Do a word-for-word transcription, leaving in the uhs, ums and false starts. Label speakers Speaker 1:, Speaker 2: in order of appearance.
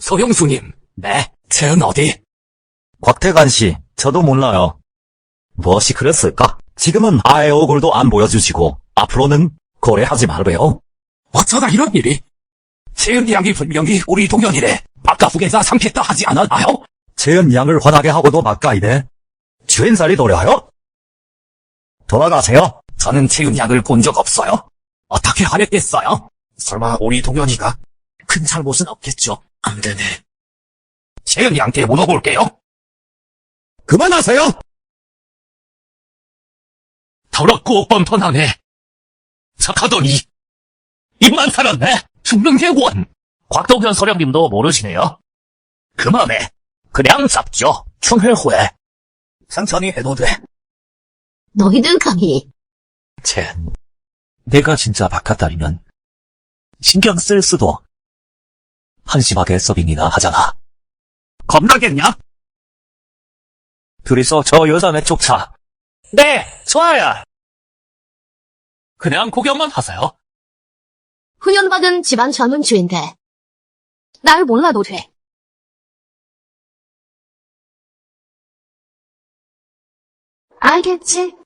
Speaker 1: 서영수님, 네, 쟤는 어디?
Speaker 2: 곽태관 씨, 저도 몰라요. 무엇이 그랬을까? 지금은 아예 얼굴도 안 보여주시고 앞으로는 거래하지 말래요.
Speaker 1: 어쩌다 이런 일이? 채은 양이 분명히 우리 동현이래. 바깥 후계자 삼켰다 하지 않았나요?
Speaker 2: 재은 양을 화나게 하고도 막가이네. 주인살이 도려요? 돌아가세요.
Speaker 1: 저는 채은 양을 본 적 없어요. 어떻게 하랬겠어요? 설마 우리 동현이가? 큰 잘못은 없겠죠. 안 되네. 채은 양께 물어볼게요.
Speaker 2: 그만하세요.
Speaker 1: 더럽고 뻔뻔하네. 착하더니 입만 살았네. 죽는 게 원. 곽동현 서령님도 모르시네요. 그만해. 그냥 잡죠. 충혈 후에. 상천이 해도 돼.
Speaker 3: 너희들 감히.
Speaker 1: 쟤, 내가 진짜 바깥다리면 신경 쓸 수도 한심하게 서빙이나 하잖아. 겁나겠냐? 둘이서 저 여자네 쫓아. 네, 좋아요. 그냥 구경만 하세요.
Speaker 3: 훈련받은 집안 전문주인데 날 몰라도 돼. 알겠지?